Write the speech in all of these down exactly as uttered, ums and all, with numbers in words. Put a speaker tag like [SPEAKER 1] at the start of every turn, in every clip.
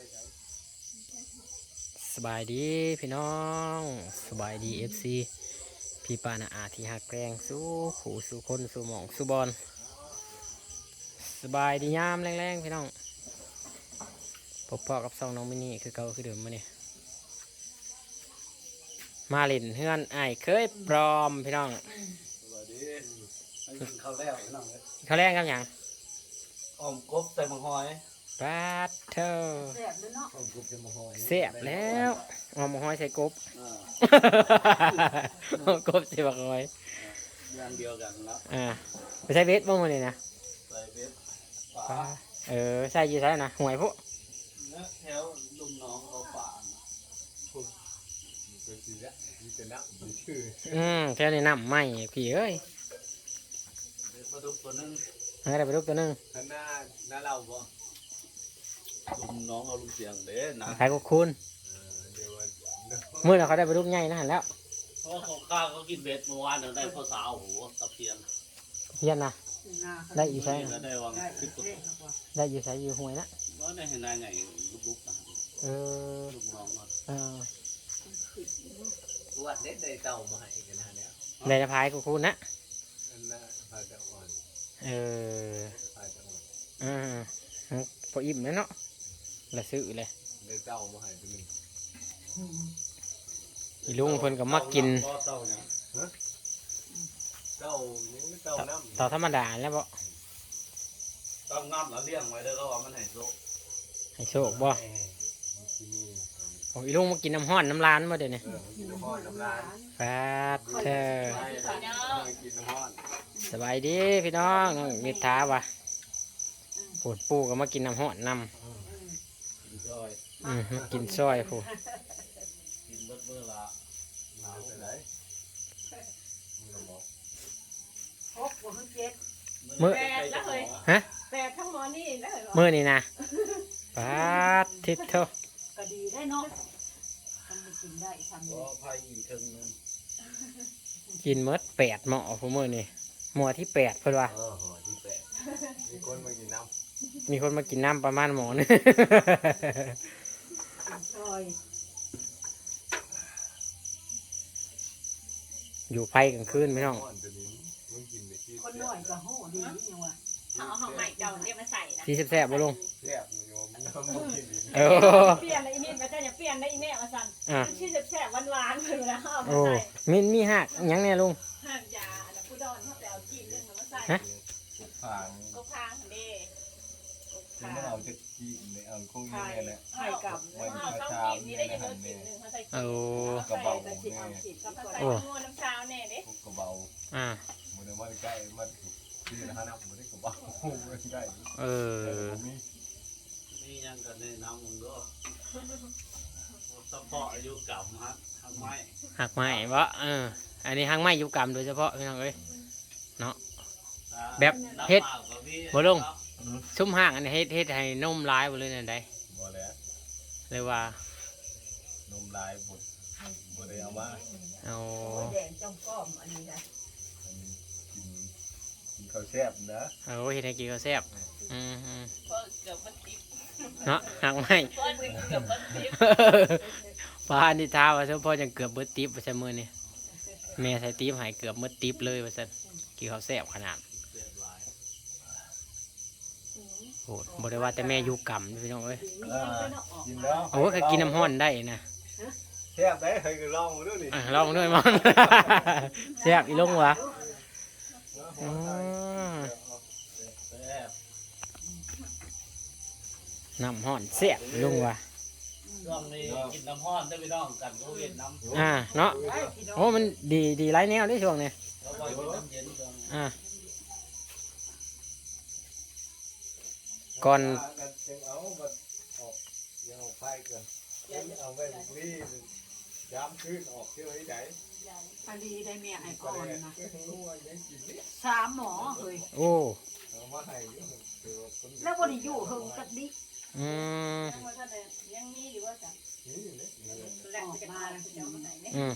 [SPEAKER 1] สบายดีพี่น้องสบายดีเอฟซีพี่ปานาอาที่หักแกรงสู้ขู่สู้คนสู้หมองสู้บอลสบายดียามแรงๆพี่น้องพบพ่อกับซองน้องมินี่คือเก่าคือเดิมมาเนี่ยมาเล่นเฮือนไอ้เคยปลอมพี่น้อง
[SPEAKER 2] สวัสดีข้าวแล้วพี่น้องเลย
[SPEAKER 1] เขาแรงครับหยัง
[SPEAKER 2] อ้อมกบใส่มังหอย
[SPEAKER 1] ปาดเธอ
[SPEAKER 3] แซ่บเลยเนาะ
[SPEAKER 2] อ้อมกบใส่มังหอย
[SPEAKER 1] เสียบแล้วเออมห้อยใส่กบ
[SPEAKER 2] อ่า
[SPEAKER 1] เอากบใส่บักหอย
[SPEAKER 2] อย่างเดียวกันแล้ว
[SPEAKER 1] อ่าไปใส่เบสบ้างมาเลยนะ
[SPEAKER 2] ใส่เบ็ดป
[SPEAKER 1] ปลา
[SPEAKER 2] ลา
[SPEAKER 1] เออใส่อยี่ใส่นะหวยพวก
[SPEAKER 2] เนื้อแถวลุมน้องเขาป่าเป็นสีละมีเป็นน้ำมีชื่อ
[SPEAKER 1] อืมแค่นี้น้ำไหมพี่เอ้ย
[SPEAKER 2] เด็ดปลาดุกตัวนึง
[SPEAKER 1] ให้ได้ไปลูกตัวหนึง
[SPEAKER 2] ข้างหน้าหน้าเราบ่ลุมน้องเอาลุมเสียงเด้นะ
[SPEAKER 1] ขายกุคุณเมื่อเราเขาได้ไปลูกใหญ่นะหันแล้ว
[SPEAKER 2] เพราะของข้าวเขากินเบ็ดเมื่อวานได้ข้าวสาวโอ้โหตะเพียน
[SPEAKER 1] เพียนนะ ได้อีกใช่
[SPEAKER 2] ก็ได้วาง
[SPEAKER 3] ได้
[SPEAKER 2] สิบกว่า
[SPEAKER 1] ได้อยู่ใส่อยู่หวยนะ
[SPEAKER 2] ว่าได้เห็นนายไงลุกๆนะ
[SPEAKER 1] เออ
[SPEAKER 2] ลุกน้องมัน
[SPEAKER 1] เออ
[SPEAKER 4] ตัวเด็ดได้เต่ามาให้กันนะเนี่ย
[SPEAKER 1] ได้จะพายกุคุณนะ
[SPEAKER 4] อันน่ะพาจะอ่อน
[SPEAKER 1] เออ
[SPEAKER 4] พาจะอ่อน
[SPEAKER 1] อืมพออิ่มแล้วเนาะละซื้อเลย
[SPEAKER 4] ได้เต่ามาให้ตัวหนึง
[SPEAKER 1] อีลุงเพิ่นก็มากิน
[SPEAKER 2] เต่าเนี่ย
[SPEAKER 4] เต่ายังไม่เต่าน้ำ
[SPEAKER 1] ต่อธรรมดาแล้วบ่
[SPEAKER 2] ต้องน้ำแล้วเลี้ยงไว้เด้อก็ว่ามันให้โซ
[SPEAKER 1] ให้โชคบ่
[SPEAKER 4] แหม่มันสิมี
[SPEAKER 1] โอ้อีลุงมากินน้ำห้อนน้ำร้านมาเดี๋ยวนี้
[SPEAKER 4] เออมันกินน้ำร้อนน้ำลาย
[SPEAKER 1] ฟาดเธอ
[SPEAKER 4] ใช่ต้องกินน้ำร้อน
[SPEAKER 1] สบายดีพี่น้องน้องมิถาวะปวดปูก็มากินน้ำห้อนน้ำ
[SPEAKER 2] กินซอย
[SPEAKER 1] อืมมากินซอยผู้
[SPEAKER 2] กินเบิดเมื่อละ
[SPEAKER 4] หนาวจะไหนมึงก็บอก
[SPEAKER 3] ครบบ่คือเจ็ด
[SPEAKER 1] มื้อ
[SPEAKER 3] แปดแล้วเฮ้ย
[SPEAKER 1] ฮะ
[SPEAKER 3] แปดทั้งหมอนี่แล้วเฮ้ย
[SPEAKER 1] มื้อนี่นะปาดทิศเถอะ
[SPEAKER 3] ก็ดีได้เนาะทำไม่กินได้ทำ
[SPEAKER 2] ก็พายอีกครึ่งนึง
[SPEAKER 1] กินเมดแปดหม้อผู้มื้อนี่หม้อที่แปดเพิ่นว่า
[SPEAKER 4] เออหอที่แปดมีคนมากินน้
[SPEAKER 1] มีคนมากินน้ำประมาณหม้อนึง
[SPEAKER 3] กินซอย
[SPEAKER 1] อยู่ไฟกลางคืนพี่น้อง
[SPEAKER 4] ำร้อนตัวนี้มึงกินไปที่
[SPEAKER 3] คนน้อยก็โหดีนี่ว่า
[SPEAKER 5] เอาเอาของใหม่เจ้าเนี่ยมาใส่นะ
[SPEAKER 1] ที่แซ่บๆบ่ลุง
[SPEAKER 4] แซ่บมึงยอมมึงกินดี
[SPEAKER 1] เออ
[SPEAKER 5] เปลี่ยนเลยอีนี่มาเจ้าอย่าเปลี่ยนได้อีแม่มาสั่น
[SPEAKER 1] อ่ะ
[SPEAKER 5] มันชื่อแซ่บๆหวานๆเลยนะเอามา
[SPEAKER 1] โอ้
[SPEAKER 5] ใส่
[SPEAKER 1] มีมีหักหยังเนี่ยลุง
[SPEAKER 5] ห้ามยาอันนั้นผู้ดอนเขาไปเอาจีนเรื่องมาใส่
[SPEAKER 1] ฮะ
[SPEAKER 4] ผ่าน
[SPEAKER 5] ก็พางเด้
[SPEAKER 4] ถึงไม่เอาจะกินเลยเอาคงยังไงแหละ
[SPEAKER 5] ไข่กับเอาต้องกินนี่ได้ยังเงินกินหนึ่งเขาใส่
[SPEAKER 1] โอ้
[SPEAKER 4] กระเบา
[SPEAKER 3] แต่
[SPEAKER 4] แม่
[SPEAKER 3] สิเอาสิ
[SPEAKER 5] เขา
[SPEAKER 3] ก็
[SPEAKER 5] ใส่
[SPEAKER 3] ไป
[SPEAKER 5] งัวน้ำเช้าแน่เด้
[SPEAKER 4] พวกกระเบา
[SPEAKER 1] อ่า
[SPEAKER 4] มันเอามาใกล้มันที่นะฮะนะมันได้กระเบาไม่ได้
[SPEAKER 1] เออ
[SPEAKER 4] มี
[SPEAKER 2] นี่ยังกันในน้ำมึงก็สปอร์อายุเก่าฮะทำไม
[SPEAKER 1] หักไม้บ่เอออันนี้หักไม้อยู่กรรมโดยเฉพาะพี่น้องเอ้ยเนาะ แบบเฮ็ดบ่ลง ซุ้มห่างอันนี้เฮ็ดเฮ็ดให้นมร้ายบ่เลยนั่นใด
[SPEAKER 4] บ่แล้ว
[SPEAKER 1] เลยว่า
[SPEAKER 4] นมลายบดบดได้เอามา
[SPEAKER 1] เอา
[SPEAKER 3] โอ้ยแดงจ้องก้อมอันนี้นะ
[SPEAKER 4] กินกินข้าวแซ่บนะ
[SPEAKER 1] เอาเฮ็ดให้กินก็แซ่บอืม
[SPEAKER 5] เพราะเกือบมันติด
[SPEAKER 1] ๆเนาะหักไม้
[SPEAKER 5] เพราะเกือบมันติด
[SPEAKER 1] ปลาอันนี้ท้าว่าซั่นพ่อจังเกือบเบิดติ๊บว่าซั่นมื้อนี้แม่ใส่ติ๊บให้เกือบเบิดติ๊บเลยว่าซั่นกินข้าวแซ่บขนาดโหดบ่ได้ว่าแต่แม่อยู่กรรมพี่น้องเอ้ย
[SPEAKER 4] กินแล้ว
[SPEAKER 1] โอ้ก็กินน้ำร้อนได้นะ
[SPEAKER 4] แซ่บได้เคยลองมาด้วยนี่
[SPEAKER 1] อ่ะลองด้วยมัน แซ่บอีลงวะอ๋อ
[SPEAKER 2] แซ่บ
[SPEAKER 1] น้ำร้อนแซ่บอีลงวะ
[SPEAKER 2] ช่วงนี้กินน้ำห้อนได้ไปน้องกันก็เวียนน้ำ
[SPEAKER 1] อ่าเนาะโอ้มันดีดีหลายแนวเด้ช่วงนี้
[SPEAKER 2] แล้วก็กินน้ำเย็นก่อน
[SPEAKER 1] อ่าก่อน
[SPEAKER 4] จังเอาบัดออกยังออกไฟก่อนเอาไว้รีย้ำขึ้นออกเที่ยวให้ไหน
[SPEAKER 3] อันนี้ได้แม่ให้
[SPEAKER 4] ก็
[SPEAKER 3] ก่อน
[SPEAKER 4] ได้
[SPEAKER 3] นะ
[SPEAKER 4] รู้ว่ายังกินนี่
[SPEAKER 3] สามหมอเฮ้ย
[SPEAKER 1] โอ้
[SPEAKER 4] เอามาให้คือคน
[SPEAKER 3] แล้วบ่ได้อยู่เฮิงกัดดิ
[SPEAKER 1] อืม
[SPEAKER 5] ยังว่าท่านใดยังมีอยู่ว่าจ้ะ
[SPEAKER 4] นี่นี่
[SPEAKER 5] แหลกจะมาเจ้ามาไหนเนี่ย
[SPEAKER 1] อืม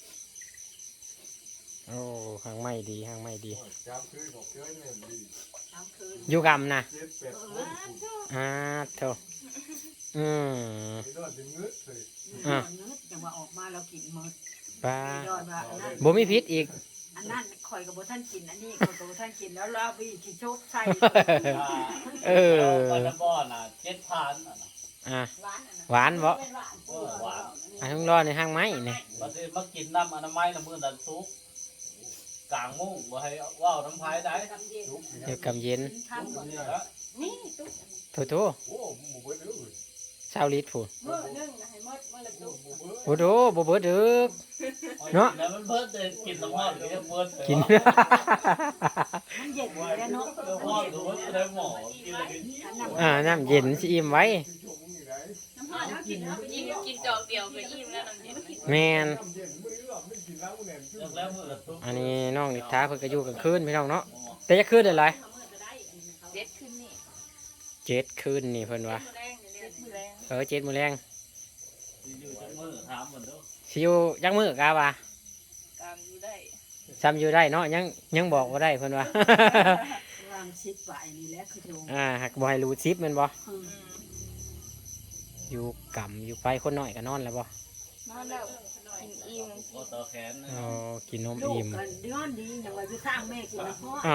[SPEAKER 1] โอ้หางไม่ดีหางไม่ดี
[SPEAKER 4] ย้ำขึ้นออกเที่ยวให้ดี
[SPEAKER 3] สามคืน
[SPEAKER 1] อยู่กำนะ
[SPEAKER 4] เจ็ดแปดคนคุณ
[SPEAKER 1] อ่าโถอืม
[SPEAKER 4] ไอ้นอนจะงึดเลย
[SPEAKER 1] อ่ะ
[SPEAKER 3] เนื้อจังว่าออกมาเรากินหมด
[SPEAKER 1] ปลา
[SPEAKER 3] ยอดว่าอันนั้น
[SPEAKER 1] บ่มีพิษอีก
[SPEAKER 3] อันนั้นข่อยกับบ่ท่านกินอันนี้ข่อยกับบ่ท่านกินแล้วเราพี่ขี้โชคใส่
[SPEAKER 1] เออ
[SPEAKER 2] ไปน้ำบ่อน่ะเจ็ดพันอ่ะนะ
[SPEAKER 1] อ่ะ
[SPEAKER 5] หวานอ่ะนะ
[SPEAKER 1] หวานบ่
[SPEAKER 5] เป็นหวาน
[SPEAKER 2] เออหวาน
[SPEAKER 1] อันต้องรอในห้างไม้นี่
[SPEAKER 2] มาสิมากินน้ำอนามัยน้ำมือดันซุกกลางมุ้งบ่ให้ว่าวน้ำพายได้
[SPEAKER 5] กำเย็น
[SPEAKER 4] ลุกนี่
[SPEAKER 1] เดี๋ยวกำเย็น
[SPEAKER 3] ทำก่อน
[SPEAKER 4] เนี่ย
[SPEAKER 2] แล้ว
[SPEAKER 5] นี่ตุ๊ก
[SPEAKER 1] โถโถ
[SPEAKER 4] โอ้หมูเบิ้ลเลย
[SPEAKER 1] เช้าลิตรพูน
[SPEAKER 5] เมื่อนึ่งนะให้หมดเมื่อละตุ๊ก
[SPEAKER 4] หมูเบิ้ล
[SPEAKER 1] โอ้โถบ่เบิดเด้อ เนาะ
[SPEAKER 2] แล้วมันเพิ่นจะกินน้ำมันหรือเพิ่น
[SPEAKER 1] กิน
[SPEAKER 3] มันเย็นอยู่แล้วเนาะ
[SPEAKER 2] น้ำมันหรือว่าจะได้หมอกินอะไรกัน
[SPEAKER 3] อันนั้น
[SPEAKER 1] อ่าน้ำเย็นสิอิ่มไว้
[SPEAKER 4] ที่ชมมึงอยู่ไหน
[SPEAKER 5] น้ำหอมเขากินเขาไปกินกินจอกเดียวก็อิ่มแล้วน้ำเย็น
[SPEAKER 1] แม่น
[SPEAKER 4] น้ำเย็นมือหลับไม่กินน้ำแหนม
[SPEAKER 2] เลิกแล้วมือละตุ๊ก
[SPEAKER 1] อันนี้น้องนิทาเพิ่นก็อยู่กลางคืนพี่น้องเนาะแต่จะคืนได้หลาย
[SPEAKER 5] เด็ดขึ้นนี่
[SPEAKER 1] เจ็ดคืนนี่เพิ่นว่า
[SPEAKER 5] แรงเด็ดมือแรง
[SPEAKER 1] เออเจ็ดมื้อแรง
[SPEAKER 2] อยู่จังมือถามมันเด้อ
[SPEAKER 1] สิอยู่จักมื้อกะว่า
[SPEAKER 5] ตามอยู่ได้
[SPEAKER 1] ซ้ำอยู่ได้เนาะยังยังบอกบ่ได้เพิ่นว่า
[SPEAKER 3] วางชิดไว้นี่แหละคือโจง
[SPEAKER 1] อ่าหักบ่ให้รู้ชิปแม่นบ่
[SPEAKER 3] อืม
[SPEAKER 5] อืม
[SPEAKER 1] อยู่กำอยู่ไปคนน้อยก็นอนแล้วบ่
[SPEAKER 5] นอนแล้วกินอิ่ม
[SPEAKER 2] พอต่อแขนนะ
[SPEAKER 1] อ๋อกินนม
[SPEAKER 3] ลูก
[SPEAKER 1] อิ่ม
[SPEAKER 3] กันย้อนดีอย่างว่าอยู่สร้างแม่กินแล้วพ่อ
[SPEAKER 1] อ่ะ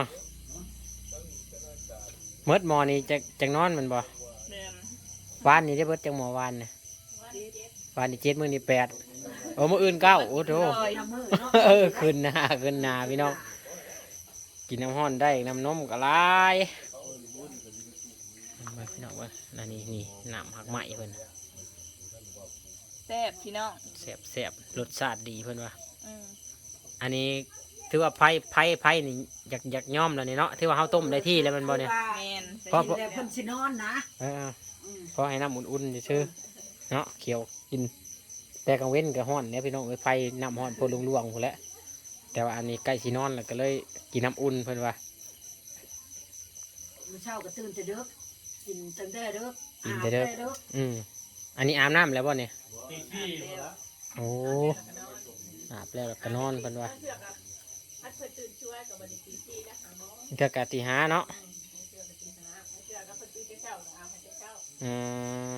[SPEAKER 1] เมิดหมอนี่จะจังนอนแมันบ่
[SPEAKER 5] เดิม
[SPEAKER 1] วานนี่ได้เบิดจังหมอวานน่ะ
[SPEAKER 5] วันเด็ด
[SPEAKER 1] วานนี่เจ็ดมื้อนี่แปดโอ้มื้ออื่นเก้าโอ้โถ
[SPEAKER 3] ลอยน้ำมือเนาะ
[SPEAKER 1] เออขึ้นหน้าขึ้นหน้าพี่น้องกินน้ำห้อนได้น้ำนมก็หลายมาพี่น้องเว่านั่นนี่นี่น้ำหักไหมเพิ่น
[SPEAKER 5] แซ่บพี่น้อง
[SPEAKER 1] แซ่บแซ่บรสชาติดีเพิ่นว่า
[SPEAKER 5] อืม
[SPEAKER 1] อันนี้ถือว่าไผ่ไผ่ไผ่นี่อยากอยากย่อมแล้วนี่เนาะถือว่าเฮาต้มได้ที่แล้วแมันบ่เนี่ย
[SPEAKER 5] แมน
[SPEAKER 1] เพราะ
[SPEAKER 3] กินแล้วเพิ่นสินอนนะ
[SPEAKER 1] เออ
[SPEAKER 3] อืม
[SPEAKER 1] พอให้น้ำอุ่นๆซื่อๆเนาะเขียวกิน แต่กลางเว้นก็ฮ้อนเนี่ยพี่น้องเอ้ยไฟน้ำฮ้อนพอลวงๆพุ่นแหละแต่ว่าอันนี้ใกล้สินอนแล้วก็เลยกินน้ำอุ่นเพิ่นว่า
[SPEAKER 3] มื้อเช้าก็ตื่นแต่ดึกกินตั้งแต่ดึก
[SPEAKER 1] กินแต่เด้อ
[SPEAKER 3] อาบแต่ดึก
[SPEAKER 1] อืมอันนี้อาบน้ำแล้วบ่เนี่ย
[SPEAKER 2] ตีขี้หมดแล้ว
[SPEAKER 1] โอ้อาบแล้วก็นอนเพิ่นว่า
[SPEAKER 5] เสือกอ่ะพัดเพื่อตื่นช่วยกับบริตีที่นะหาหมอ
[SPEAKER 1] ก็กะติหาเนาะ
[SPEAKER 5] เสือกกับตีหาเสือกกับเพื่อตื่นเช้าอาบให้เช้า
[SPEAKER 1] อืม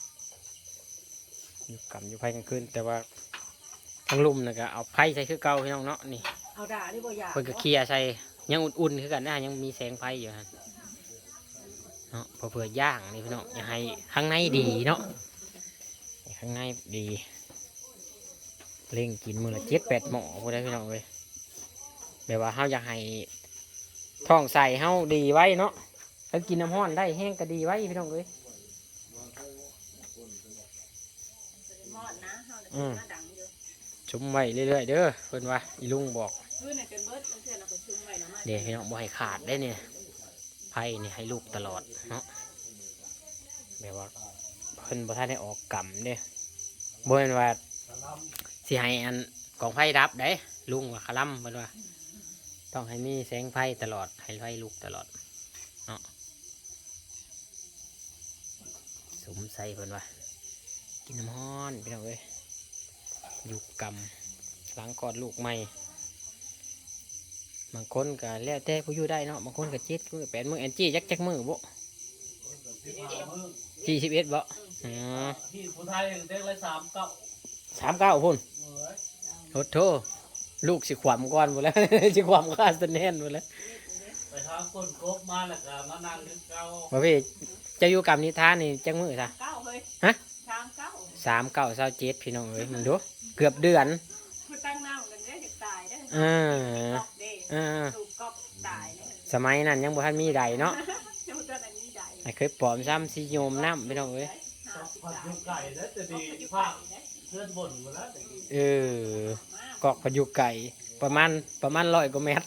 [SPEAKER 1] อยู่กำอยู่ไผกลางคืนแต่ว่าทั้งลุ่มน่ะก็เอาไผใส่คือเก่าพี่น้องเนาะนี่
[SPEAKER 3] เอาด่าได้บ่อยาก
[SPEAKER 1] เพิ่นก็เคลียร์ใส่ยังอุ่นๆคือกันนะยังมีแสงไฟอยู่ฮะเนาะเพอเผื่อย่างนี่พี่น้องอย่าให้ข้างในดีเนาะให้ข้างในดีเล่งกินมือละเจ็ดแปดหม้อพอได้พี่น้องเลยแบบว่าเฮาอยากให้ท้องใส่เฮาดีไว้เนาะถ้ากินน้ำห้อนได้แห้งก็ดีไว้พี่น้องเลย
[SPEAKER 5] มอดนะเฮาเนี่ยมาดังอยู่
[SPEAKER 1] ชุมไว้เรื่อยๆเด้อเพิ่นว่าอีลุงบอก
[SPEAKER 5] พื้นเนี่ยจนเบิดมันเสือกเราก็ชุ่มไว้นะมา
[SPEAKER 1] เดี๋ยวพี่น้องบ่ให้ขาดได้เนี่ยไผ่เนี่ยให้ลูกตลอดเนาะแบบว่าเพิ่นบ่ทันได้ออกกำเด้บ่แม่นว่าสิให้อันกองไผ่รับได้ลุงว่าคลัมเพิ่นว่า ต้องให้มีแสงไผ่ตลอดให้ไผ่ลูกตลอดเนาะสมใส่เพิ่นว่ากินน้ำฮ้อนพี่น้องเอ้ยอยู่กำหลังกอดลูกใหม่ บางคนก็แล้วแต่ผู้อยู่ได้เนาะบางคนก็เจ็ดมือแปดมือแอนจี้จักจักมือบ่จี้สิบเอ็ดบ่อ๋อ
[SPEAKER 2] ที่ผู้ไทยเด็กเลยสามเก้า
[SPEAKER 1] สามเก้าพุ่น
[SPEAKER 2] เอ้ย
[SPEAKER 1] โทษโทษลูกสิขวามก่อนหมดแล้ว สิขวามข้าสแนนหมดแล้ว
[SPEAKER 2] ไปหาคนครบมาแล้วก็มานั่งนึกเก้า
[SPEAKER 1] บ่พี่จะอยู่กับนิทานนี่จักมือซะ
[SPEAKER 5] เก้าเฮ้ย
[SPEAKER 1] ฮะ
[SPEAKER 5] ชามเก้า
[SPEAKER 1] สามเก้าเศร้าเจ็ดพี่น้องเอ้ยมึงดูเกือบเดือน
[SPEAKER 5] ผู้ตั้งน้ำกันได้จะตายได้
[SPEAKER 1] อ่า
[SPEAKER 5] ตอกเด้
[SPEAKER 1] อ่า
[SPEAKER 5] ถูกกอกตายเลย
[SPEAKER 1] สมัยนั้นยังบ่ทันมีใดเนาะ
[SPEAKER 5] เจ้าตัวนั้นนี่ใด
[SPEAKER 1] ให้เคยปลอมซ้ำสิโยมน้ำพี่น้องเอ้ย
[SPEAKER 2] ผัดยุกไก่แล้วจะดีภาคเพื่อนบ่นหมดแล้ว
[SPEAKER 1] เออกอกพยุกไก่ประมาณประมาณร้อยกว่าเมตร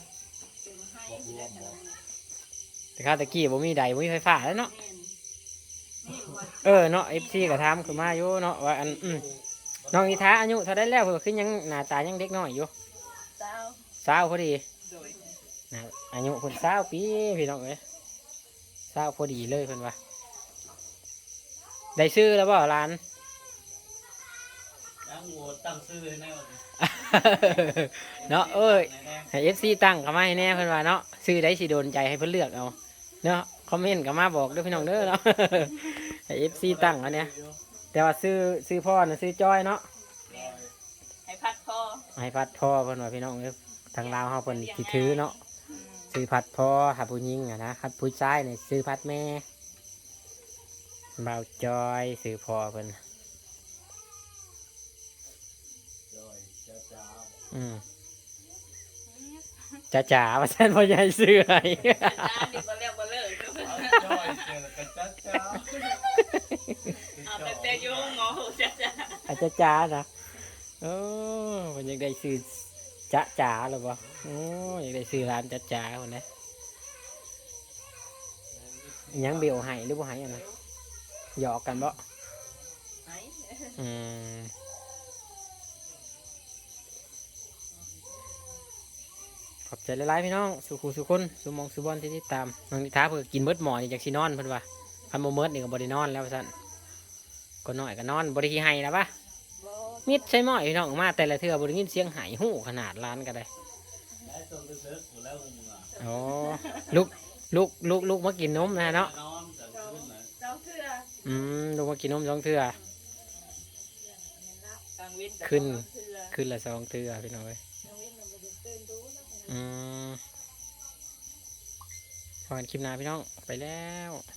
[SPEAKER 1] แต่ข้าวตะกี้บ่มีใดบ่มีไฟฟ้าแล้วเนาะ เออเนาะเอฟซีก็ถามขึ้นมาอยู่เนาะว่าอันอืมน้องนิทาอายุเท่าได้แล้วเพิ่นคือยังหน้าตายังเด็กน้อยอยู่
[SPEAKER 5] เจ้า
[SPEAKER 1] สาวพอดี
[SPEAKER 5] โดย
[SPEAKER 1] นะอายุเพิ่นสาวปีพี่น้องเอ้ยสาวพอดีเลยเพิ่นว่าได้ซื้อแล้วบ่หลาน
[SPEAKER 2] ยังโหวตตั้งชื่อให้แน่
[SPEAKER 1] เนาะเอ้ยให้เอฟซีตั้งเข้ามาให้แน่เพิ่นว่าเนาะซื้อได้สิโดนใจให้เพิ่นเลือกเอาเนาะคอมเมนต์ก็มาบอกด้วยพี่น้องเด้อเนาะ ให้เอฟซีตั้งอันเนี้ยแต่ว่าซื้อซื้อพ่อน่ะซื้อจ้อยเนาะ
[SPEAKER 5] ให้พัดคอ
[SPEAKER 1] ให้พัดพ่อเพิ่นว่าพี่น้องเด้อทางลาวเฮาเพิ่นสิถือเนาะซื้อพัดพ่อถ้าผู้หญิงอ่ะนะคัดผู้ชายนี่ซื้อพัดแม่บ่าวจอยซื้อพ่อเพิ่น
[SPEAKER 4] จอยจ้าจ้า
[SPEAKER 1] อืมจ๋าจ๋าว่าฉันพ่อใหญ่ซื้อให้
[SPEAKER 5] จ้าดิบ่เลิกบ่เลิก
[SPEAKER 4] จอยเจอกันจ้าจ้า
[SPEAKER 5] เอาแต่แต่ยุ่งงอจ้าจ้า
[SPEAKER 1] อาจจะจ๋านะโอ้มันยังได้ซื้อจ๋าจ๋าหรือเปล่าโอ้ยังได้ซื้อร้านจ๋าจ๋าคนนะยังเบลให้หรือบ่ให้อันนั้นหยอกกันบ่
[SPEAKER 5] ไหน
[SPEAKER 1] อืมขอบใจหลายๆพี่น้องสุขุสุคนสุหมองสุบอลที่ติดตามน้องนิท้าเพื่อกินเบิดหมอนี่จากซีนอนเพิ่นว่าคันโมเมิดนี่ก็บรินอนแล้วสั่นก็น้อยก็นอนบริขี้ไห้แล้วปะ
[SPEAKER 5] บ่
[SPEAKER 1] มิดใช่หม้อพี่น้องมาแต่ละเทื่อบริยินเสียงไห้หู้ขนาดร้านก็ได้
[SPEAKER 2] ได้ส่งเลิกๆหมดแล้วมึงอ่ะ
[SPEAKER 1] อ๋อลูกลูกลูกลูกมากินนมนะเนาะ
[SPEAKER 2] นอนกันขึ้นนะ
[SPEAKER 5] เจ้าเสื้อ
[SPEAKER 1] อืมลูกมากินนมสองเทื่อก
[SPEAKER 5] ลางวิน
[SPEAKER 1] ขึ้น
[SPEAKER 5] เสื้อ
[SPEAKER 1] ขึ้นละสองเทื่อพี่น้องเอ้ย
[SPEAKER 5] กลางวินมันบ่ได้ตื่นดูแล้ว
[SPEAKER 1] อืมพอกันคลิปหน้าพี่น้องไปแล้ว